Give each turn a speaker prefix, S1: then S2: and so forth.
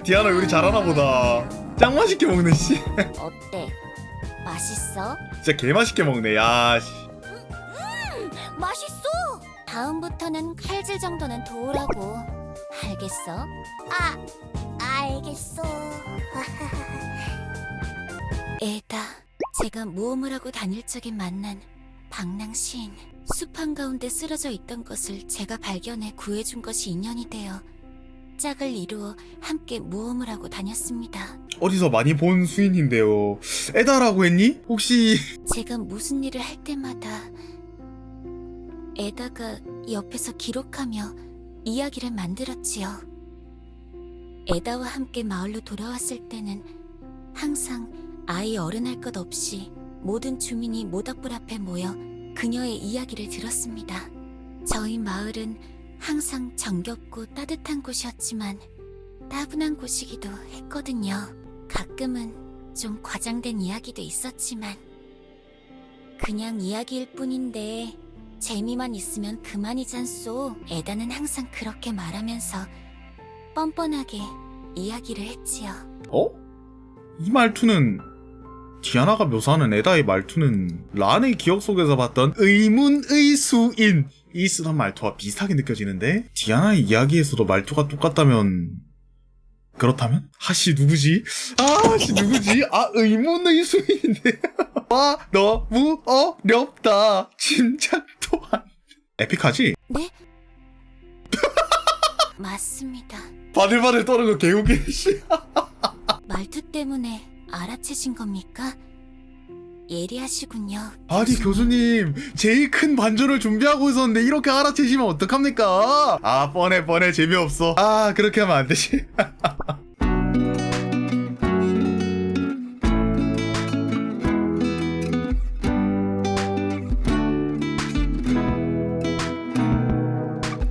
S1: 디아나 요리 잘하나 보다. 짱 맛있게 먹네 씨.
S2: 어때? 맛있어?
S1: 진짜 개 맛있게 먹네. 야 씨.
S2: 맛있어! 다음부터는 칼질 정도는 도우라고. 알겠어? 알겠어. 에다, 제가 모험을 하고 다닐 적에 만난 방랑 시인. 숲 한가운데 쓰러져 있던 것을 제가 발견해 구해준 것이 인연이 되어 짝을 이루어 함께 모험을 하고 다녔습니다.
S1: 어디서 많이 본 수인인데요. 에다라고 했니? 혹시
S2: 제가 무슨 일을 할 때마다 에다가 옆에서 기록하며 이야기를 만들었지요. 에다와 함께 마을로 돌아왔을 때는 항상 아이 어른할 것 없이 모든 주민이 모닥불 앞에 모여 그녀의 이야기를 들었습니다. 저희 마을은 항상 정겹고 따뜻한 곳이었지만 따분한 곳이기도 했거든요. 가끔은 좀 과장된 이야기도 있었지만 그냥 이야기일 뿐인데 재미만 있으면 그만이잖소. 에다는 항상 그렇게 말하면서 뻔뻔하게 이야기를 했지요.
S1: 어? 이 말투는 디아나가 묘사하는 에다의 말투는 란의 기억 속에서 봤던 의문의 수인 이 쓰던 말투와 비슷하게 느껴지는데 디아나의 이야기에서도 말투가 똑같다면 그렇다면? 하씨 누구지? 아씨 누구지? 의문의 수인인데 와 너무 어렵다 짐작 또한 에픽하지?
S2: 네? 맞습니다.
S1: 바들바들 떠는 거 개웃기네 씨.
S2: 말투 때문에 알아채신 겁니까? 예리하시군요.
S1: 아니 교수님 제일 큰 반전을 준비하고 있었는데 이렇게 알아채시면 어떡합니까? 뻔해 재미없어. 그렇게 하면 안 되지.